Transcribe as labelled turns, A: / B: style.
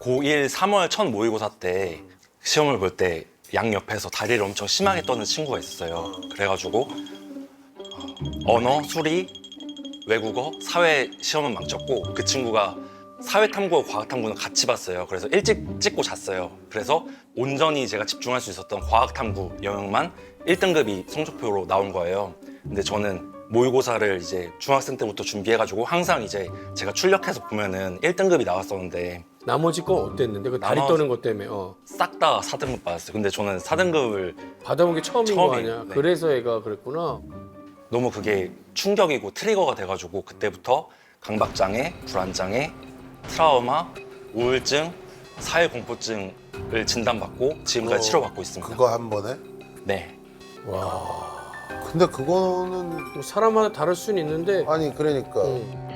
A: 고1 3월 첫 모의고사 때 시험을 볼 때 양 옆에서 다리를 엄청 심하게 떠는 친구가 있었어요. 그래가지고 언어, 수리, 외국어, 사회 시험은 망쳤고 그 친구가 사회탐구와 과학탐구는 같이 봤어요. 그래서 일찍 찍고 잤어요. 그래서 온전히 제가 집중할 수 있었던 과학탐구 영역만 1등급이 성적표로 나온 거예요. 근데 저는 모의고사를 이제 중학생 때부터 준비해가지고 항상 이제 제가 출력해서 보면은 1등급이 나왔었는데
B: 나머지 건 어땠는데? 그 다리
A: 나머지-
B: 떠는 것 때문에
A: 싹 다 4등급 받았어요. 근데 저는 4등급을
B: 받아본 게 처음인 거
A: 처음이에요.
B: 아니야?
A: 네.
B: 그래서 애가 그랬구나.
A: 너무 그게 충격이고 트리거가 돼가지고 그때부터 강박장애, 불안장애, 트라우마, 우울증, 사회공포증을 진단받고 지금까지 치료받고 있습니다.
C: 그거 한 번에?
A: 네.
B: 와.
C: 근데 그거는
B: 뭐 사람마다 다를 수는 있는데
C: 아니 그러니까
B: 응.